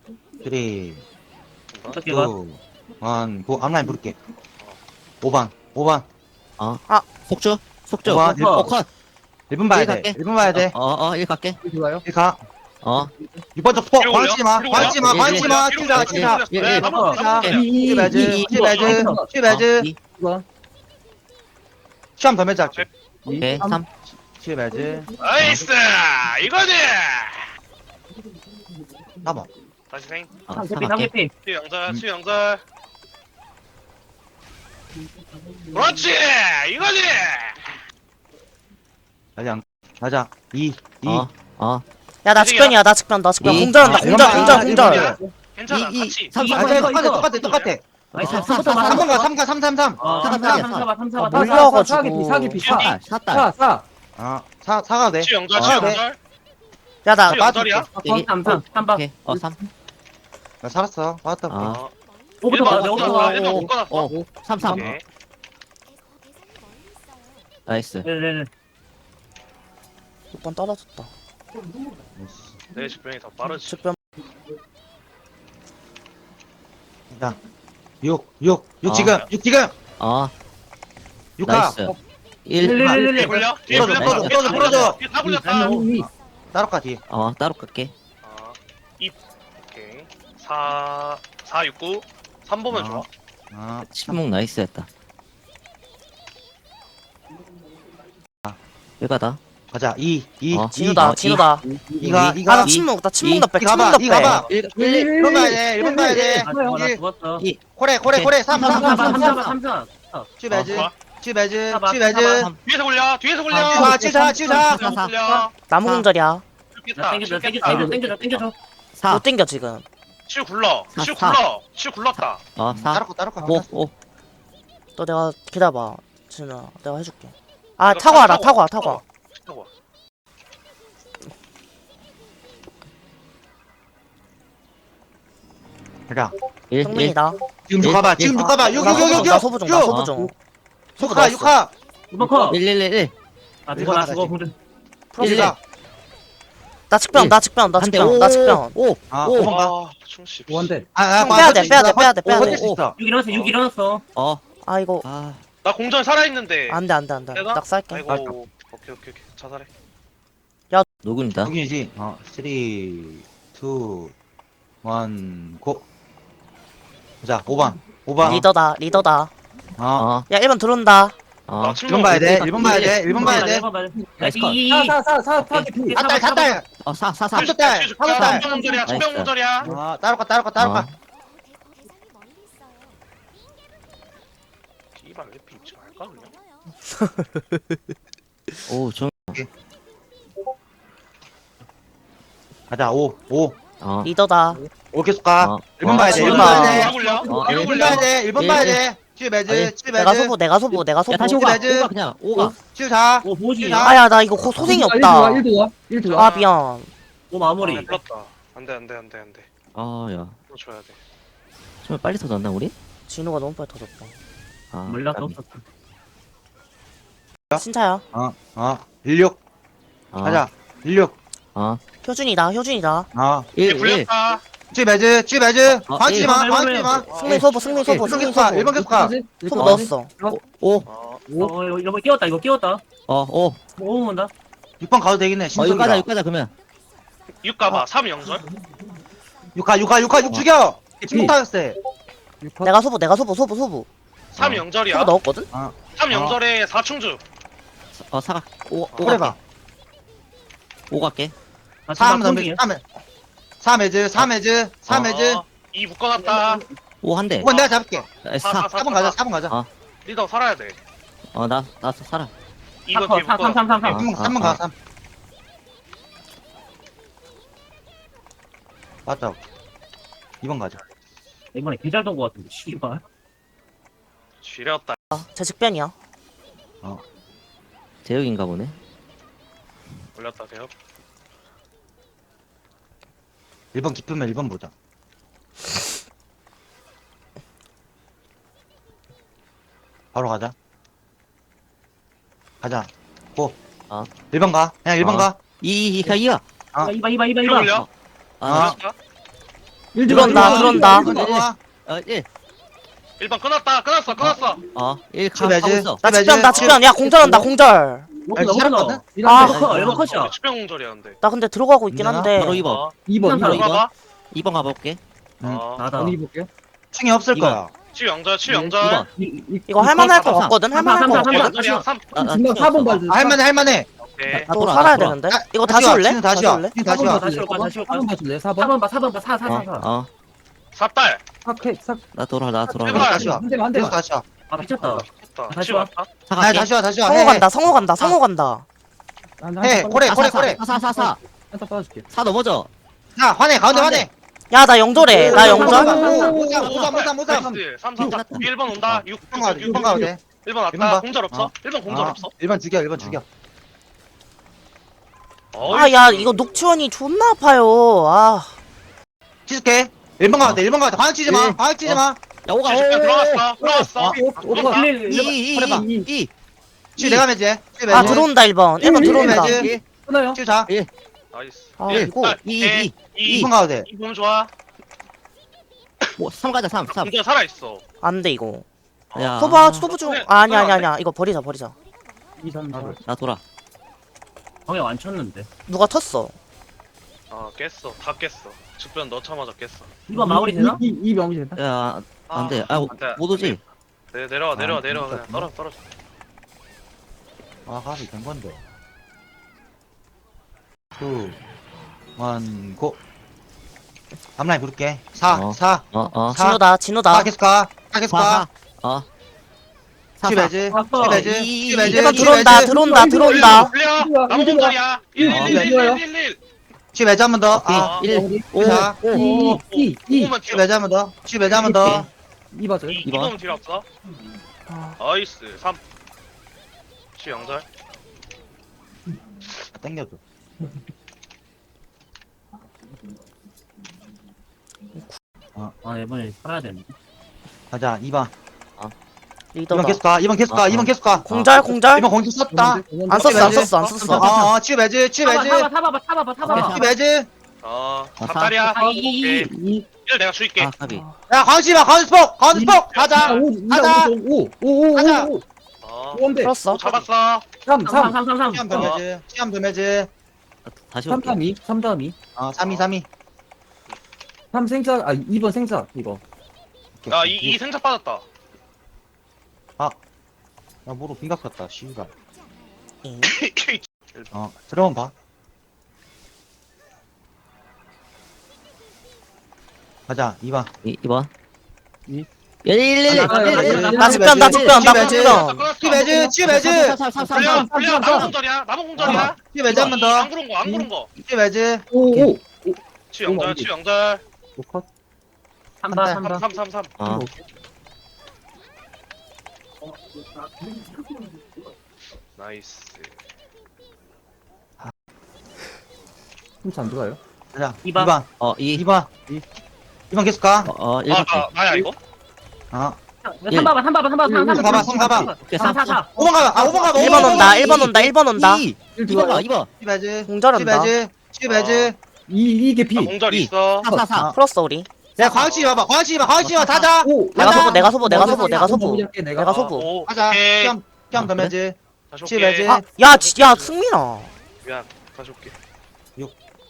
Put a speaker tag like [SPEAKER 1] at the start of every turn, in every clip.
[SPEAKER 1] 3, 2,
[SPEAKER 2] 어떻게 가?
[SPEAKER 1] 1, 고. 앞라인 부를게. 5번, 5번,
[SPEAKER 3] 속주? 속주.
[SPEAKER 1] 5번,
[SPEAKER 2] 컷.
[SPEAKER 3] 컷.
[SPEAKER 1] 1번 봐야
[SPEAKER 3] 일
[SPEAKER 1] 돼.
[SPEAKER 3] 갈게.
[SPEAKER 1] 1번 봐야 돼.
[SPEAKER 3] 1 갈게.
[SPEAKER 4] 좋아요.
[SPEAKER 1] 1 가.
[SPEAKER 3] 어.
[SPEAKER 1] 6번 쪽 포.
[SPEAKER 5] 뒤로 올려?
[SPEAKER 1] 광치 마.
[SPEAKER 5] 뒤로
[SPEAKER 1] 광치
[SPEAKER 5] 올려?
[SPEAKER 1] 마. 광치 마.
[SPEAKER 5] 뒤로
[SPEAKER 1] 치자,
[SPEAKER 5] 올려?
[SPEAKER 1] 치자.
[SPEAKER 5] 뒤로 올려? 네, 나무
[SPEAKER 1] 치자.
[SPEAKER 5] 나무
[SPEAKER 1] 치배즈, 치배즈, 치배즈.
[SPEAKER 4] 2번.
[SPEAKER 1] 시험 더 매자.
[SPEAKER 3] 오케이. 3.
[SPEAKER 1] 치배즈.
[SPEAKER 5] 나이스 이거지
[SPEAKER 1] 4번.
[SPEAKER 5] 다시 생
[SPEAKER 3] 어,
[SPEAKER 2] 3
[SPEAKER 3] 4
[SPEAKER 2] 개피, 3
[SPEAKER 3] 갈게.
[SPEAKER 2] 개피.
[SPEAKER 5] 수영절 수영절 그렇지 이거지
[SPEAKER 1] 가자. 가자. 2, 2.
[SPEAKER 6] 야 나 직변이야 나 직변
[SPEAKER 3] 이.
[SPEAKER 6] 공전한다 공전 공전 공전
[SPEAKER 5] 괜찮아
[SPEAKER 3] 이,
[SPEAKER 5] 같이
[SPEAKER 3] 3,
[SPEAKER 1] 아,
[SPEAKER 3] 3,
[SPEAKER 1] 쟤
[SPEAKER 3] 3.
[SPEAKER 1] 똑같아.
[SPEAKER 2] 나이스.
[SPEAKER 3] 3,
[SPEAKER 1] 3번 가, 3 가, 3, 3, 3.
[SPEAKER 2] 어,
[SPEAKER 3] 사과
[SPEAKER 2] 3,
[SPEAKER 3] 사과야,
[SPEAKER 2] 3, 3, 3, 3, 3, 3.
[SPEAKER 6] 몰려가지고.
[SPEAKER 4] 사기피.
[SPEAKER 3] 샷달. 샷달.
[SPEAKER 4] 4, 4.
[SPEAKER 1] 아, 4가 돼.
[SPEAKER 5] 수영절
[SPEAKER 1] 아,
[SPEAKER 5] 수영절
[SPEAKER 6] 야나
[SPEAKER 5] 수영절이야
[SPEAKER 2] 3, 3, 3번.
[SPEAKER 3] 오케이. 3.
[SPEAKER 1] 나 살았어. 받았다.
[SPEAKER 3] 아.
[SPEAKER 2] 5부터 가, 5부터 가.
[SPEAKER 5] 1번 못 끊었어
[SPEAKER 3] 3, 3.
[SPEAKER 5] 오케이.
[SPEAKER 3] 나이스.
[SPEAKER 2] 네네네.
[SPEAKER 6] 6번 떨어졌다
[SPEAKER 5] 내 집병이 더 빠르지
[SPEAKER 6] 직변
[SPEAKER 1] 자. 6 지금. 6 지금. 6가.
[SPEAKER 3] 나이스. 1.
[SPEAKER 5] 뒤에 굴려 뒤에
[SPEAKER 1] 풀어줘,
[SPEAKER 5] 굴려
[SPEAKER 1] 풀어줘, 풀어줘.
[SPEAKER 5] 뒤에 다 굴렸다
[SPEAKER 1] 따로 가, 뒤에.
[SPEAKER 3] 따로 갈게.
[SPEAKER 5] 2 오케이 4 4 6 9 3 보면 좋아
[SPEAKER 1] 아,
[SPEAKER 3] 침묵 나이스였다. 여가다.
[SPEAKER 1] 가자. 2, 2.
[SPEAKER 6] 진우다 진우다
[SPEAKER 1] 이가,
[SPEAKER 6] 아나 침묵 나 침묵 넉백
[SPEAKER 1] 이
[SPEAKER 6] 침묵
[SPEAKER 1] 가봐, 이
[SPEAKER 6] 넉백
[SPEAKER 1] 가봐.
[SPEAKER 3] 1.
[SPEAKER 1] 1번 봐야 돼, 1번 봐야 돼.
[SPEAKER 2] 아, 나
[SPEAKER 1] 일.
[SPEAKER 2] 죽었어.
[SPEAKER 1] 코레, 3, 3, 3, 3, 3.
[SPEAKER 2] 3, 3.
[SPEAKER 1] 치배즈,
[SPEAKER 5] 좋아.
[SPEAKER 1] 치배즈,
[SPEAKER 2] 사봐,
[SPEAKER 1] 치배즈.
[SPEAKER 2] 사봐.
[SPEAKER 5] 뒤에서 굴려
[SPEAKER 1] 아, 치자.
[SPEAKER 5] 굴려
[SPEAKER 6] 나무 공절이야
[SPEAKER 5] 겠다
[SPEAKER 2] 땡겨줘.
[SPEAKER 3] 4.
[SPEAKER 6] 못 땡겨 지금
[SPEAKER 5] 실 굴러
[SPEAKER 3] 사,
[SPEAKER 5] 실
[SPEAKER 3] 사.
[SPEAKER 5] 굴러 실 굴렀다
[SPEAKER 3] 4.
[SPEAKER 1] 따로 가.
[SPEAKER 3] 5.
[SPEAKER 6] 또 내가 기다려봐 진우야 내가 해줄게 아 타고 와라 타고 와
[SPEAKER 5] 타고 와.
[SPEAKER 1] 가자.
[SPEAKER 3] 1.
[SPEAKER 6] 성민이다
[SPEAKER 1] 지금 쭉 가봐, 지금 쭉 가봐. 6, 6, 6, 6,
[SPEAKER 6] 나 소부 중 나 소부
[SPEAKER 3] 어.
[SPEAKER 6] 중
[SPEAKER 1] 6가, 6가.
[SPEAKER 2] 2번 커.
[SPEAKER 3] 1.
[SPEAKER 2] 아, 죽어, 나 죽어. 공전.
[SPEAKER 1] 풀어주자.
[SPEAKER 6] 나 직변 나 직변 나 직변 나 직변
[SPEAKER 3] 5.
[SPEAKER 1] 아,
[SPEAKER 3] 오.
[SPEAKER 1] 5번 가.
[SPEAKER 5] 아 충씨
[SPEAKER 4] 원대.
[SPEAKER 1] 아,
[SPEAKER 6] 빼야돼
[SPEAKER 1] 버틸 수 있어.
[SPEAKER 2] 6 일어났어, 6 일어났어.
[SPEAKER 6] 아 이거
[SPEAKER 5] 나 공전 살아있는데
[SPEAKER 6] 안돼
[SPEAKER 5] 내가?
[SPEAKER 6] 낙살게
[SPEAKER 5] 아이고 오케이 자살해
[SPEAKER 3] 누군이다?
[SPEAKER 1] 여기지. 3, 2, 1, 고. 자, 5번.
[SPEAKER 6] 리더다
[SPEAKER 1] 어.
[SPEAKER 6] 야 1번 들어온다
[SPEAKER 5] 나
[SPEAKER 1] 1번 봐야 돼. 1번 봐야 돼. 1번 봐야 돼.
[SPEAKER 3] 나이스 컷.
[SPEAKER 4] 4,
[SPEAKER 3] 오케이.
[SPEAKER 1] 샷달.
[SPEAKER 3] 4. 4.
[SPEAKER 1] 30달. 30달.
[SPEAKER 5] 청병문절이야 청병문절이야
[SPEAKER 1] 아, 따로 가.
[SPEAKER 5] 이발 왜 입지 말까 그냥
[SPEAKER 3] 오, 좀.
[SPEAKER 1] 가자. 5.
[SPEAKER 6] 리더다
[SPEAKER 1] 계속 가.
[SPEAKER 3] 어.
[SPEAKER 1] 1번 봐야 돼. 1번
[SPEAKER 6] 아,
[SPEAKER 1] 봐야 돼.
[SPEAKER 5] 뒤에 굴려
[SPEAKER 3] 어,
[SPEAKER 5] 뒤에
[SPEAKER 1] 1번
[SPEAKER 5] 굴려
[SPEAKER 1] 봐야 돼. 1번 봐야 돼. 치배즈,
[SPEAKER 6] 내가 소부
[SPEAKER 3] 야, 다시
[SPEAKER 6] 소부
[SPEAKER 3] 5가.
[SPEAKER 1] 치배즈.
[SPEAKER 3] 5가 그냥. 5가.
[SPEAKER 1] 74.
[SPEAKER 2] 오, 보지.
[SPEAKER 1] 아,
[SPEAKER 6] 아야 나 이거 소생이 없다
[SPEAKER 4] 1도 와. 1도
[SPEAKER 6] 아
[SPEAKER 4] 와.
[SPEAKER 6] 미안
[SPEAKER 2] 오, 마무리.
[SPEAKER 5] 불렀다 안돼
[SPEAKER 3] 야.
[SPEAKER 5] 이거 줘야 돼
[SPEAKER 3] 좀 빨리 터졌나, 우리?
[SPEAKER 6] 진우가 너무 빨리 터졌다
[SPEAKER 2] 몰랐어,
[SPEAKER 3] 까비.
[SPEAKER 2] 없었어.
[SPEAKER 6] 신차야
[SPEAKER 1] 16. 가자. 16.
[SPEAKER 6] 효준이다
[SPEAKER 3] 1.
[SPEAKER 5] 불렸다
[SPEAKER 1] 치배즈.
[SPEAKER 3] 어,
[SPEAKER 1] 광치
[SPEAKER 3] 일.
[SPEAKER 1] 마.
[SPEAKER 6] 승민 소부 승민 소부
[SPEAKER 1] 1번 계속 가.
[SPEAKER 6] 소부 넣었어
[SPEAKER 3] 5.
[SPEAKER 2] 이거 끼웠다, 이거 끼웠다.
[SPEAKER 3] 5.
[SPEAKER 2] 5 온다.
[SPEAKER 1] 6번 가도 되겠네.
[SPEAKER 3] 6 가자, 6 가자, 그러면.
[SPEAKER 5] 6 가봐 3 영절
[SPEAKER 1] 6 죽여. 침묵 타였어.
[SPEAKER 6] 내가 소부
[SPEAKER 5] 3 영절이야
[SPEAKER 6] 소부 넣었거든
[SPEAKER 5] 3 영절에 4충주
[SPEAKER 3] 사가. 5
[SPEAKER 1] 그래 봐.
[SPEAKER 3] 5 갈게.
[SPEAKER 2] 아,
[SPEAKER 1] 3
[SPEAKER 2] 3
[SPEAKER 1] 덤비. 3해즈.
[SPEAKER 5] 2 묶어놨다
[SPEAKER 3] 5 한 대.
[SPEAKER 1] 5번 내가 잡을게.
[SPEAKER 3] 4.
[SPEAKER 1] 4번 가자.
[SPEAKER 5] 리더 살아야 돼
[SPEAKER 3] 나 살아.
[SPEAKER 5] 2번 뒤에
[SPEAKER 2] 3, 3, 3, 3, 3.
[SPEAKER 1] 3번 가. 3. 맞다. 2번 가자.
[SPEAKER 2] 이번에 개잘 돈거 같은데, 씨발.
[SPEAKER 5] 지렸다
[SPEAKER 6] 제 직변이야
[SPEAKER 3] 제육인가 보네.
[SPEAKER 5] 올렸다 대요
[SPEAKER 1] 1번 기쁘면 1번 보자. 바로 가자. 고. 1번 가. 그냥 1번 가.
[SPEAKER 3] 2가.
[SPEAKER 1] 아.
[SPEAKER 2] 이봐.
[SPEAKER 5] 뒤로 올려
[SPEAKER 3] 아,
[SPEAKER 5] 올렸다
[SPEAKER 6] 들어온다.
[SPEAKER 1] 들어와.
[SPEAKER 3] 1.
[SPEAKER 5] 1번 끊었어.
[SPEAKER 3] 1
[SPEAKER 1] 치
[SPEAKER 3] 가고
[SPEAKER 1] 매즈.
[SPEAKER 3] 있어.
[SPEAKER 6] 나
[SPEAKER 1] 매즈.
[SPEAKER 6] 집변 나 집변. 야 공절한다 공절.
[SPEAKER 1] 아니, 살았거든?
[SPEAKER 6] 아.
[SPEAKER 2] 일본 컷이야.
[SPEAKER 5] 치명공절이었는데.
[SPEAKER 6] 나 근데 들어가고 있긴 한데.
[SPEAKER 3] 바로 2번.
[SPEAKER 5] 어,
[SPEAKER 4] 2번
[SPEAKER 3] 바로
[SPEAKER 4] 2번
[SPEAKER 5] 2번.
[SPEAKER 3] 2번 가볼게.
[SPEAKER 2] 나다.
[SPEAKER 4] 언니 볼게요.
[SPEAKER 1] 충이 없을
[SPEAKER 3] 이번.
[SPEAKER 1] 거야.
[SPEAKER 5] 치명절.
[SPEAKER 3] 2번.
[SPEAKER 6] 이거 할만할 것
[SPEAKER 3] 삼, 삼.
[SPEAKER 6] 같거든. 할만할 것
[SPEAKER 2] 삼, 삼,
[SPEAKER 6] 같거든.
[SPEAKER 5] 치명절이야. 3.
[SPEAKER 4] 지금 4번 봐줘.
[SPEAKER 1] 할만해.
[SPEAKER 5] 오케이.
[SPEAKER 6] 또
[SPEAKER 3] 돌아,
[SPEAKER 6] 살아야
[SPEAKER 3] 돌아.
[SPEAKER 6] 되는데.
[SPEAKER 1] 야,
[SPEAKER 6] 이거 다시 올래?
[SPEAKER 1] 지금
[SPEAKER 6] 다시 올래?
[SPEAKER 1] 지금 다시 와.
[SPEAKER 2] 다시 올까, 다시 올까?
[SPEAKER 4] 4번 봐줄래요? 4번.
[SPEAKER 2] 4번 봐, 4번 봐, 4, 4, 4, 4.
[SPEAKER 3] 어.
[SPEAKER 5] 4딸.
[SPEAKER 3] 나 돌아.
[SPEAKER 5] 제발.
[SPEAKER 1] 다시 와.
[SPEAKER 4] 한 대만 한
[SPEAKER 1] 계속
[SPEAKER 4] 대만.
[SPEAKER 1] 다시 와.
[SPEAKER 2] 아, 미쳤다.
[SPEAKER 5] 됐다.
[SPEAKER 2] 다시
[SPEAKER 5] 치
[SPEAKER 2] 와.
[SPEAKER 5] 왔다.
[SPEAKER 1] 아니, 다시 와.
[SPEAKER 6] 성호 간다. 성호 간다. 성호 간다.
[SPEAKER 1] 해. 고래.
[SPEAKER 3] 4.
[SPEAKER 4] 한타 빠줄게.
[SPEAKER 3] 4 넘어져.
[SPEAKER 1] 자, 화내. 가운데 화내.
[SPEAKER 6] 야 나 영절해. 나 영절.
[SPEAKER 1] 모삼.
[SPEAKER 5] 나이스. 3, 3, 4. 1번 온다. 6, 6, 6, 6,
[SPEAKER 1] 6번 가도 돼.
[SPEAKER 5] 1번
[SPEAKER 1] 일번
[SPEAKER 5] 왔다.
[SPEAKER 1] 봐.
[SPEAKER 5] 공절 없어?
[SPEAKER 1] 어.
[SPEAKER 5] 1번 공절 없어?
[SPEAKER 1] 1번 죽여.
[SPEAKER 6] 아 야 이거 녹치원이 존나 아파요. 아.
[SPEAKER 1] 치즈케. 1번 가도 돼. 1번 가도 돼. 방학 치지 마.
[SPEAKER 3] 예.
[SPEAKER 1] 방학 치지 마.
[SPEAKER 3] 야, 5가.
[SPEAKER 5] 들어갔어.
[SPEAKER 4] 오빠.
[SPEAKER 3] 2.
[SPEAKER 1] 치 내가 매지.
[SPEAKER 6] 아 들어온다 1번. 1번 들어온다.
[SPEAKER 1] 매지.
[SPEAKER 4] 끊어요.
[SPEAKER 1] 치 자.
[SPEAKER 5] 나이스.
[SPEAKER 6] 아
[SPEAKER 5] 예.
[SPEAKER 6] 이거.
[SPEAKER 5] 2,
[SPEAKER 1] 2번 가도 돼.
[SPEAKER 5] 2 보면 좋아.
[SPEAKER 3] 3 가자. 3.
[SPEAKER 5] 공절 살아있어.
[SPEAKER 6] 안돼 이거.
[SPEAKER 3] 야.
[SPEAKER 6] 소부 중. 아, 아니야. 이거 버리자.
[SPEAKER 4] 2, 3, 4.
[SPEAKER 3] 나 돌아.
[SPEAKER 2] 방에 안 쳤는데.
[SPEAKER 6] 누가 텄어?
[SPEAKER 5] 깼어. 다 깼어. 직변 넣자마자 깼어.
[SPEAKER 2] 2번 마무리 되나?
[SPEAKER 4] 2 명이 된다.
[SPEAKER 3] 야, 안 돼.
[SPEAKER 5] 안 돼.
[SPEAKER 3] 못 오지?
[SPEAKER 5] 내려와. 그냥 떨어져.
[SPEAKER 1] 아, 가비 된 건데. 2, 1, 고. 앞라인 부를게. 4.
[SPEAKER 3] 어.
[SPEAKER 1] 4.
[SPEAKER 6] 진우다.
[SPEAKER 1] 4 계속 가. 4 계속 가.
[SPEAKER 3] 4.
[SPEAKER 1] 치 매지.
[SPEAKER 2] 아빠.
[SPEAKER 1] 치 매지. 치 매지.
[SPEAKER 6] 1번
[SPEAKER 1] 치
[SPEAKER 6] 들어온다.
[SPEAKER 1] 매지.
[SPEAKER 6] 들어온다.
[SPEAKER 5] 올려. 나무 공절이야. 1.
[SPEAKER 1] 치 매지 한번 더. 아.
[SPEAKER 3] 1. 5.
[SPEAKER 1] 자.
[SPEAKER 4] 2
[SPEAKER 5] 5만
[SPEAKER 1] 치 매지 한번 더. 치 매지 한번 더.
[SPEAKER 4] 2 봐줘요.
[SPEAKER 5] 2번 뒤로 없어.
[SPEAKER 6] 아,
[SPEAKER 5] 나이스. 3. 치 영절.
[SPEAKER 1] 땡겨줘.
[SPEAKER 2] 아, 이번에 살아야 되는데.
[SPEAKER 1] 가자. 2번. 2번
[SPEAKER 6] 리더다.
[SPEAKER 1] 계속 가. 2번 계속 가. 2번 계속 가.
[SPEAKER 6] 공절.
[SPEAKER 1] 2번 공지 썼다.
[SPEAKER 6] 안 썼어.
[SPEAKER 1] 치 매지. 치 매지.
[SPEAKER 2] 타봐봐.
[SPEAKER 1] 치 매지.
[SPEAKER 5] 4딸이야.
[SPEAKER 2] 아, 2.
[SPEAKER 5] 1 내가 줄게.
[SPEAKER 3] 가비.
[SPEAKER 1] 야, 광시 봐. 가운데 스포. 가운데 스포. 가자. 가자.
[SPEAKER 4] 5
[SPEAKER 1] 가자.
[SPEAKER 4] 5인데.
[SPEAKER 6] 풀었어.
[SPEAKER 5] 잡았어.
[SPEAKER 4] 3 3
[SPEAKER 1] 시험 더 매지. 시험 더 매지.
[SPEAKER 3] 다시
[SPEAKER 4] 3
[SPEAKER 3] 올게.
[SPEAKER 4] 다음 2 3 다음 2
[SPEAKER 1] 3이.
[SPEAKER 4] 3 생자 2번 생자 이거.
[SPEAKER 5] 야, 이 생차 빠졌다.
[SPEAKER 1] 야, 뭐로 빙각 쳤다. 씨발.
[SPEAKER 6] 잉.
[SPEAKER 1] 들어온 봐. 가자. 2번.
[SPEAKER 3] 2번.
[SPEAKER 4] 이.
[SPEAKER 3] 1.
[SPEAKER 6] 나 집변. 나 집변.
[SPEAKER 1] 치 매지. 치 매지.
[SPEAKER 5] 불려. 나무 공절이야. 나무 공절이야.
[SPEAKER 1] 치 매지 한번 더.
[SPEAKER 5] 안 구른 거.
[SPEAKER 1] 치 매지.
[SPEAKER 4] 5
[SPEAKER 5] 치 영절.
[SPEAKER 4] 5컷.
[SPEAKER 2] 3번.
[SPEAKER 5] 3.
[SPEAKER 3] 어.
[SPEAKER 5] 나이스.
[SPEAKER 4] 힘차 안 들어가요?
[SPEAKER 1] 가자.
[SPEAKER 2] 2번.
[SPEAKER 1] 2번.
[SPEAKER 3] 2.
[SPEAKER 1] 2번. 2번 계속 가.
[SPEAKER 3] 1 갈게.
[SPEAKER 5] 나야 이거?
[SPEAKER 2] 3 봐봐.
[SPEAKER 1] 삼 가봐.
[SPEAKER 3] 오케이,
[SPEAKER 2] 4.
[SPEAKER 1] 5번 가봐. 5번 가봐.
[SPEAKER 6] 1번 온다. 1번 온다.
[SPEAKER 3] 2.
[SPEAKER 4] 1
[SPEAKER 3] 2번 가.
[SPEAKER 4] 들어가요?
[SPEAKER 3] 2번.
[SPEAKER 1] 치 매지. 치
[SPEAKER 6] 공절한다.
[SPEAKER 1] 매지. 치 매지.
[SPEAKER 4] 2 개피.
[SPEAKER 5] 공절
[SPEAKER 3] 이.
[SPEAKER 5] 있어.
[SPEAKER 3] 4.
[SPEAKER 6] 풀었어 우리.
[SPEAKER 1] 야, 광시 봐봐. 광시 타자.
[SPEAKER 4] 5
[SPEAKER 6] 내가
[SPEAKER 1] 가자.
[SPEAKER 6] 소부. 내가 소부.
[SPEAKER 4] 내가
[SPEAKER 6] 내가 소부.
[SPEAKER 5] 오,
[SPEAKER 1] 가자.
[SPEAKER 5] 오케이.
[SPEAKER 1] 시험 더 매지.
[SPEAKER 5] 다시
[SPEAKER 1] 치
[SPEAKER 5] 올게.
[SPEAKER 1] 매지.
[SPEAKER 6] 야 승민아.
[SPEAKER 5] 미안. 다시 올게.
[SPEAKER 1] 6.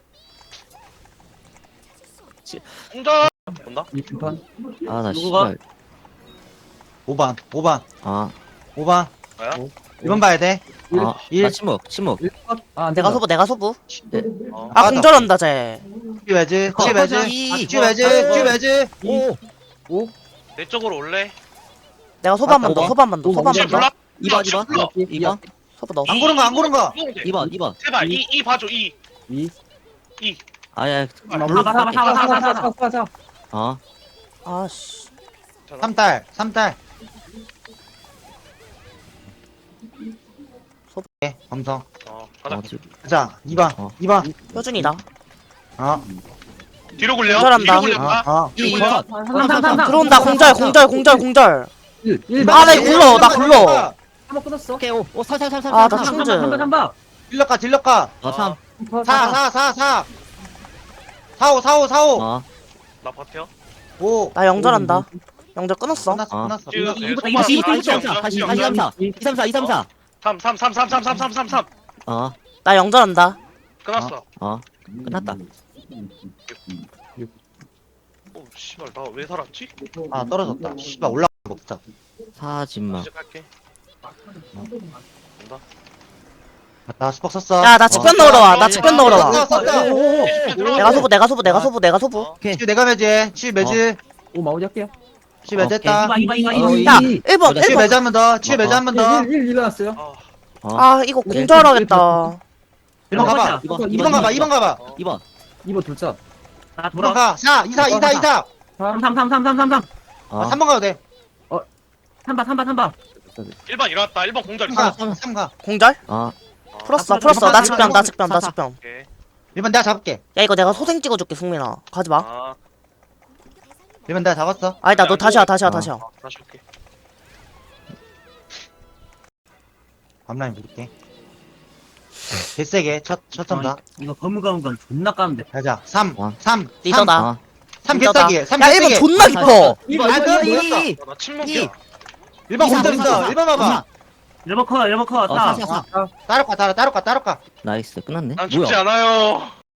[SPEAKER 5] 공절. 본다?
[SPEAKER 4] 2판.
[SPEAKER 3] 나
[SPEAKER 2] 누구가?
[SPEAKER 3] 씨발.
[SPEAKER 1] 5번. 5번.
[SPEAKER 5] 뭐야?
[SPEAKER 1] 1번 봐야 돼.
[SPEAKER 3] 나
[SPEAKER 1] 일.
[SPEAKER 3] 침묵.
[SPEAKER 4] 1컷. 안
[SPEAKER 6] 내가
[SPEAKER 4] 된다.
[SPEAKER 6] 소부.
[SPEAKER 5] 어.
[SPEAKER 6] 아 공절한다 쟤.
[SPEAKER 1] 치 매지. 치 매지.
[SPEAKER 3] 2.
[SPEAKER 1] 치 매지. 치 매지.
[SPEAKER 3] 5.
[SPEAKER 5] 내 쪽으로 올래?
[SPEAKER 6] 내가 소부 한 번 더. 소부 한 번 더. 소부 한
[SPEAKER 5] 칠
[SPEAKER 6] 번 더.
[SPEAKER 5] 불러?
[SPEAKER 3] 2번.
[SPEAKER 5] 불러.
[SPEAKER 3] 2번.
[SPEAKER 6] 소부 넣어.
[SPEAKER 1] 안 고른 거.
[SPEAKER 3] 2번.
[SPEAKER 5] 제발 이 봐줘 이.
[SPEAKER 4] 2
[SPEAKER 3] 아야.
[SPEAKER 2] 물로 가.
[SPEAKER 4] 4
[SPEAKER 6] 아씨.
[SPEAKER 1] 3딸. 예, 검성.
[SPEAKER 5] 가자.
[SPEAKER 1] 가자. 2번.
[SPEAKER 3] 어.
[SPEAKER 1] 2번.
[SPEAKER 6] 효준이다.
[SPEAKER 5] 뒤로 굴려.
[SPEAKER 6] 공절한다.
[SPEAKER 5] 뒤로 굴려.
[SPEAKER 3] 2.
[SPEAKER 6] 들어온다. 공절.
[SPEAKER 4] 1
[SPEAKER 6] 아, 나 굴러.
[SPEAKER 4] 한번 끊었어.
[SPEAKER 3] 오케이. 5. 3.
[SPEAKER 6] 아, 나 충즈.
[SPEAKER 2] 3번.
[SPEAKER 1] 딜럭가.
[SPEAKER 3] 3.
[SPEAKER 1] 4. 4. 4. 4. 4. 5. 4. 5. 4. 5.
[SPEAKER 5] 나 버텨.
[SPEAKER 1] 5.
[SPEAKER 6] 나 영절한다. 영절 끊었어.
[SPEAKER 1] 끝났어,
[SPEAKER 3] 어.
[SPEAKER 1] 끝났어.
[SPEAKER 5] 지금
[SPEAKER 1] 끝났어.
[SPEAKER 5] 이거
[SPEAKER 2] 이거, 이거,
[SPEAKER 3] 다시
[SPEAKER 2] 이거,
[SPEAKER 3] 234 234
[SPEAKER 5] 3 3 3 3 3 3 3 3 3
[SPEAKER 3] 어
[SPEAKER 6] 나 영절한다.
[SPEAKER 5] 끝났어.
[SPEAKER 3] 끝났다.
[SPEAKER 5] 오 씨발 나 왜 살았지?
[SPEAKER 1] 아, 떨어졌다. 씨발, 올라가 먹자.
[SPEAKER 3] 사진마.
[SPEAKER 5] 시작할게. 간다.
[SPEAKER 1] 나 스벅 썼어.
[SPEAKER 6] 야, 나 측변 넣으러 와. 나 측변 넣으러 와.
[SPEAKER 1] 썼어.
[SPEAKER 6] 내가 소부, 내가 소부, 내가 소부, 내가 소부.
[SPEAKER 3] 오케이.
[SPEAKER 1] 치 내가 매지. 치 매지.
[SPEAKER 4] 오 마무리 할게요.
[SPEAKER 1] 치 매졌다.
[SPEAKER 2] 이봐, 이봐, 이봐,
[SPEAKER 3] 어,
[SPEAKER 2] 이봐.
[SPEAKER 6] 야,
[SPEAKER 3] 이-
[SPEAKER 6] 1번,
[SPEAKER 1] 치
[SPEAKER 6] 1번.
[SPEAKER 1] 매지 한 번 더. 치 매지 한 번 더.
[SPEAKER 4] 1 일어났어요.
[SPEAKER 6] 아, 이거 공절하겠다.
[SPEAKER 1] 1번 가봐. 2번 가봐. 2번 가봐.
[SPEAKER 3] 2번
[SPEAKER 4] 2번 둘자.
[SPEAKER 2] 나
[SPEAKER 1] 2번
[SPEAKER 2] 돌아.
[SPEAKER 1] 가. 4, 2, 4, 2, 4, 2, 4.
[SPEAKER 2] 3, 3, 3, 3, 3, 3, 3.
[SPEAKER 3] 어
[SPEAKER 1] 3번 가도 돼.
[SPEAKER 2] 3바, 3바, 3바.
[SPEAKER 5] 1번 일어났다. 1번 공절
[SPEAKER 1] 3
[SPEAKER 5] 있어.
[SPEAKER 1] 가. 3 가.
[SPEAKER 6] 공절?
[SPEAKER 3] 어
[SPEAKER 6] 풀었어,
[SPEAKER 2] 아,
[SPEAKER 6] 풀었어. 나
[SPEAKER 2] 아,
[SPEAKER 6] 측변, 나 측변, 나
[SPEAKER 3] 사, 사.
[SPEAKER 6] 측변.
[SPEAKER 5] 오케이.
[SPEAKER 1] 1번 내가 잡을게.
[SPEAKER 6] 야, 이거 내가 소생 찍어줄게, 승민아. 가지 마.
[SPEAKER 5] 아,
[SPEAKER 1] 1번 내가 잡았어.
[SPEAKER 6] 아니다, 너 다시 와, 다시 와,
[SPEAKER 3] 어.
[SPEAKER 6] 다시 와.
[SPEAKER 5] 다시 올게.
[SPEAKER 1] 앞라인 부를게. 개세게. 첫 점다.
[SPEAKER 2] 이거 거무거무건 존나 까는데.
[SPEAKER 1] 가자. 3,
[SPEAKER 3] 와.
[SPEAKER 1] 3,
[SPEAKER 6] 리더다.
[SPEAKER 3] 어
[SPEAKER 1] 3
[SPEAKER 6] 리더다.
[SPEAKER 1] 개싸기. 3
[SPEAKER 6] 야, 1번
[SPEAKER 1] 개싸기.
[SPEAKER 6] 존나 깊어.
[SPEAKER 1] 2번 안 돼. 보였어.
[SPEAKER 5] 나 침묵이야.
[SPEAKER 1] 1번 공절 있어. 1번 봐봐.
[SPEAKER 2] 1번 커, 1번 커.
[SPEAKER 3] 어
[SPEAKER 2] 4.
[SPEAKER 3] 4 4
[SPEAKER 1] 따로 가, 따로 가, 따로 가.
[SPEAKER 3] 나이스 끝났네
[SPEAKER 5] 난
[SPEAKER 3] 뭐야
[SPEAKER 5] 죽지 않아요.